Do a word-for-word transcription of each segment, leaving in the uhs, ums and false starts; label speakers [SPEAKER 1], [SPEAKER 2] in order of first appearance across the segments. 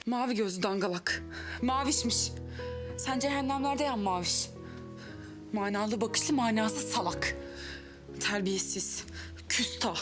[SPEAKER 1] Mavi gözlü dangalak. Mavişmiş. Sen cehennemlerde yan maviş. Manalı bakışlı manasız salak. Terbiyesiz. Küstah.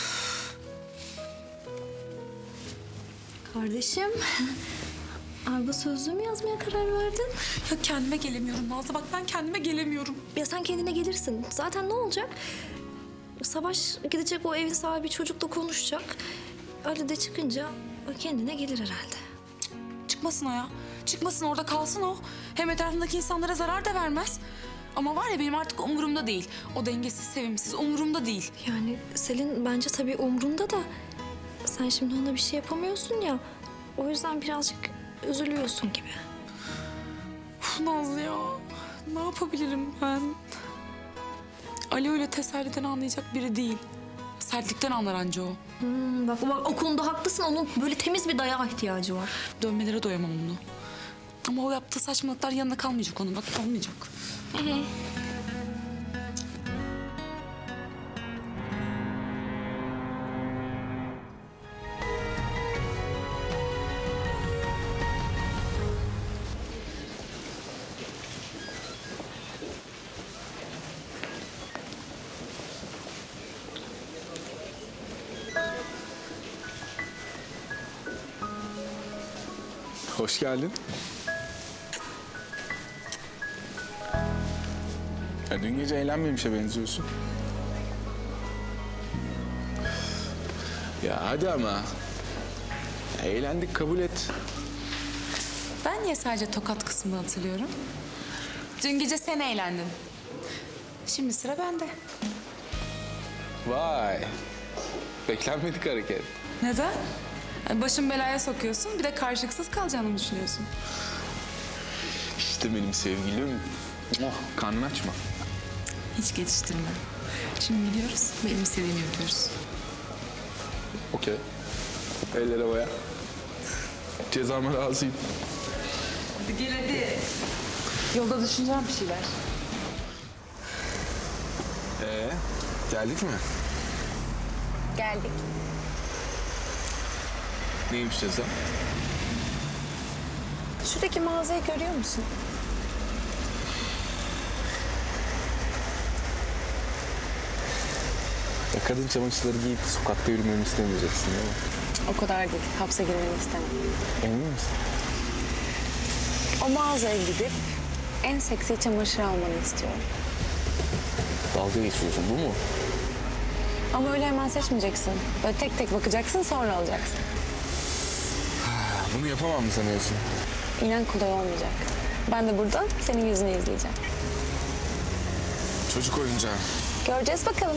[SPEAKER 2] Kardeşim, argo sözlüğü mü yazmaya karar verdin?
[SPEAKER 1] Ya kendime gelemiyorum Nazlı. Bak ben kendime gelemiyorum.
[SPEAKER 2] Ya sen kendine gelirsin. Zaten ne olacak? Savaş gidecek, o evin sahibi çocukla konuşacak. Ali de çıkınca o kendine gelir herhalde.
[SPEAKER 1] Çıkmasın o ya. Çıkmasın, orada kalsın o. Hem etrafındaki insanlara zarar da vermez. Ama var ya, benim artık umurumda değil. O dengesiz, sevimsiz umurumda değil.
[SPEAKER 2] Yani Selin bence tabii umrunda da sen şimdi ona bir şey yapamıyorsun ya. O yüzden birazcık üzülüyorsun gibi.
[SPEAKER 1] Uf, Nazlı ya. Ne yapabilirim ben? Ali öyle teselliden anlayacak biri değil. Sertlikten anlar anca o.
[SPEAKER 2] Hmm, bak, bak o konuda haklısın. Onun böyle temiz bir dayağa ihtiyacı var.
[SPEAKER 1] Dönmelere doyamam onu. Ama o yaptığı saçmalıklar yanına kalmayacak onun. Bak kalmayacak.
[SPEAKER 2] Ee?
[SPEAKER 3] Hoş geldin. Ya dün gece eğlenmemişe benziyorsun. Ya hadi ama. Ya eğlendik, kabul et.
[SPEAKER 1] Ben niye sadece tokat kısmını hatırlıyorum? Dün gece sen eğlendin. Şimdi sıra bende.
[SPEAKER 3] Vay. Beklenmedik hareket.
[SPEAKER 1] Neden? Yani başım belaya sokuyorsun, bir de karşılıksız kalacağını mı düşünüyorsun?
[SPEAKER 3] İşte benim sevgilim. Oh, karnını açma.
[SPEAKER 1] Hiç geçiştirme. Şimdi gidiyoruz, benim istediğimi yapıyoruz.
[SPEAKER 3] Okey. Ellere boya. Cezama razıyım.
[SPEAKER 1] Hadi gel hadi. Yolda düşüneceğim bir şeyler.
[SPEAKER 3] Ee, geldik mi?
[SPEAKER 1] Geldik.
[SPEAKER 3] Neymiş ceza?
[SPEAKER 1] Şuradaki mağazayı görüyor musun?
[SPEAKER 3] Ya kadın çamaşırları giyip sokakta yürümemi istemeyeceksin değil mi?
[SPEAKER 4] O kadar değil. Hapse girmeni istemem.
[SPEAKER 3] Emin misin?
[SPEAKER 4] O mağazaya gidip en seksi çamaşır almanı istiyorum.
[SPEAKER 3] Dalga geçiyorsun, bu mu?
[SPEAKER 4] Ama öyle hemen seçmeyeceksin. Böyle tek tek bakacaksın, sonra alacaksın.
[SPEAKER 3] Bunu yapamam mı sanıyorsun?
[SPEAKER 4] İnan kolay olmayacak. Ben de burada senin yüzünü izleyeceğim.
[SPEAKER 3] Çocuk oyuncağı.
[SPEAKER 4] Göreceğiz bakalım.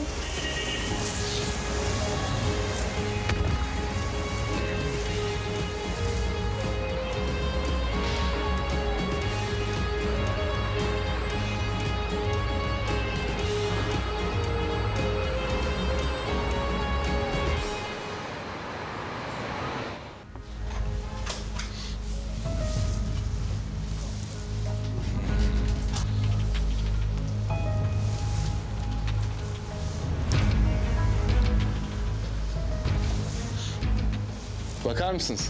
[SPEAKER 3] Bakar mısınız?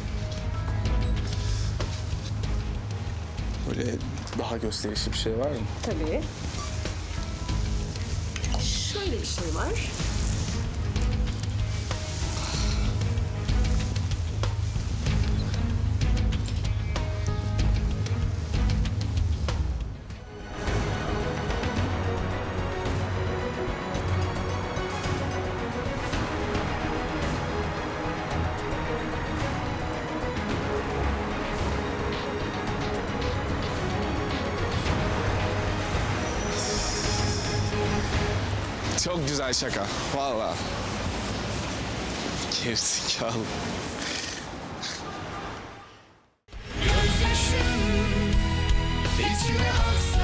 [SPEAKER 3] Böyle daha gösterişli bir şey var mı?
[SPEAKER 5] Tabii. Şöyle bir şey var.
[SPEAKER 3] Çok güzel şaka. Vallahi. Gerizekalı.
[SPEAKER 6] Gözyaşım içime aksa